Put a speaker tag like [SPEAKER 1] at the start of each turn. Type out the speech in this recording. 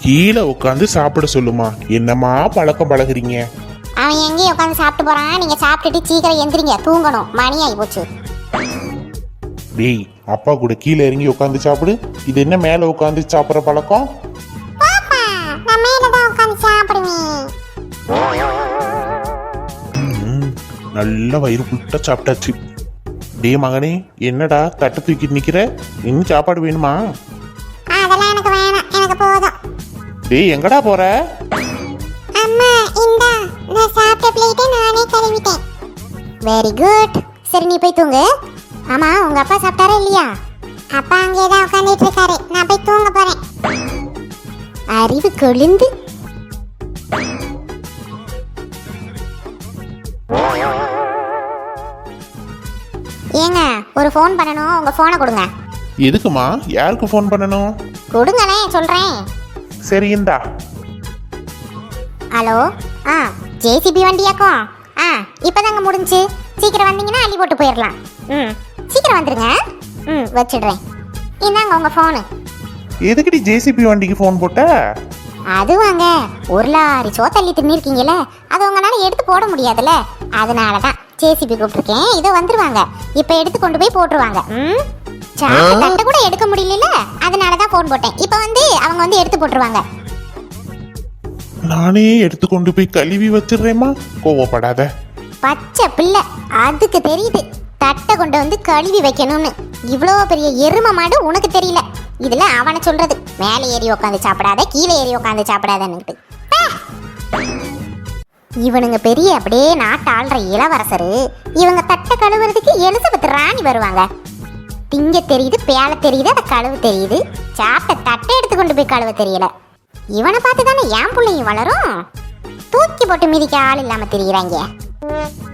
[SPEAKER 1] கீழே உட்காந்து சாப்பிட சொல்லுமா. என்னம்மா பழக்கம் பழகுறீங்க?
[SPEAKER 2] அவன் எங்கேயும் உட்காந்து சாப்பிட்டு போறான். நீங்க சாப்பிட்டுட்டு சீக்கிரம் எந்திரிங்க, தூங்கணும், மணி ஆகி போச்சு.
[SPEAKER 1] டேய், அப்பா கூட கீழே இறங்கி உட்காந்து சாப்பிடு. இது என்ன மேல உட்காந்து சாப்பிட்ற பழக்கம்?
[SPEAKER 2] நான் மேலதான் உட்காந்து சாப்பிடுவேன்.
[SPEAKER 1] நல்ல வயிறு புட்ட சாப்பிட்டாச்சு. டே மகனே, என்னடா தட்டு தூக்கிட்டு நிக்கிற? இன்னும் சாப்பாடு வேணுமா?
[SPEAKER 2] அதெல்லாம் எனக்கு வேணாம், எனக்கு போதும்.
[SPEAKER 1] டேய், எங்கடா போற?
[SPEAKER 2] அம்மா இந்தா, நான் சாப்பிட்ட பிளேட்டை நானே கழுவிட்டேன். Very good. சரி, நீ போய் தூங்கு. ஆமா, உங்க அப்பா சாப்பிட்டாரா இல்லையா? அப்பா அங்கேதான் உட்காந்துட்டு இருக்காரு. நான் போய் தூங்க போறேன். அறிவு கொழுந்து. ஏங்க, ஒரு ஃபோன் பண்ணணும், உங்க போனை கொடுங்க.
[SPEAKER 1] எதுக்குமா? யாருக்கு ஃபோன் பண்ணணும்?
[SPEAKER 2] கொடுங்கண்ணே, சொல்றேன்.
[SPEAKER 1] சரி, இந்தா.
[SPEAKER 2] ஹலோ. ஜேசிபி வண்டியாக்கும். இப்பதாங்க முடிஞ்சு. சீக்கிரம் வந்தீங்கன்னா அள்ளி போட்டு போயிடலாம். சீக்கிரம் வந்துருங்க. வச்சிடுறேன். இந்தாங்க உங்க ஃபோனு.
[SPEAKER 1] எதுக்குடி ஜேசிபி வண்டிக்கு ஃபோன் போட்ட?
[SPEAKER 2] அது வாங்க, ஒரு லாரி சோத்தள்ளி தின்னிருக்கீங்கல்ல, அது உங்களால எடுத்து போட முடியாதுல்ல, அதனாலதான் ஜேசிபி கூப்பிட்டுருக்கேன். இதோ வந்துருவாங்க. இப்ப எடுத்து கொண்டு போய் போட்டுருவாங்க. சாப்பிட்டு தட்டை கூட எடுக்க முடியல, அதனாலதான் ஃபோன் போட்டேன். இப்ப வந்து அவங்க வந்து எடுத்து போட்டுருவாங்க.
[SPEAKER 1] நானே எடுத்து கொண்டு போய் கழுவி வச்சிடுறேம்மா, கோவப்படாத.
[SPEAKER 2] பச்சை பிள்ளை, அதுக்கு தெரியுது தட்டை கொண்டு வந்து கழுவி வைக்கணும்னு. இவ்வளோ பெரிய எரும மாடு உனக்கு தெரியல. இதுல அவனை சொல்றது மேலே ஏறி உட்காந்து சாப்பிடாத, கீழே ஏறி உட்காந்து சாப்பிடாதன்னுட்டு. இவனுங்க பெரிய அப்படியே நாட்டு ஆள்ற இளவரசரு. இவங்க தட்டை கழுவுறதுக்கு எலிசபெத் ராணி வருவாங்க. திங்க தெரியுது, பேலை தெரியுது, அதை கழுவு தெரியுது. சாப்பிட்ட தட்டை எடுத்து கொண்டு போய் கழுவ தெரியல. இவனை பார்த்து தானே என் பிள்ளையும் வளரும். தூக்கி போட்டு மிதிக்க ஆள் இல்லாம தெரியுறாங்க.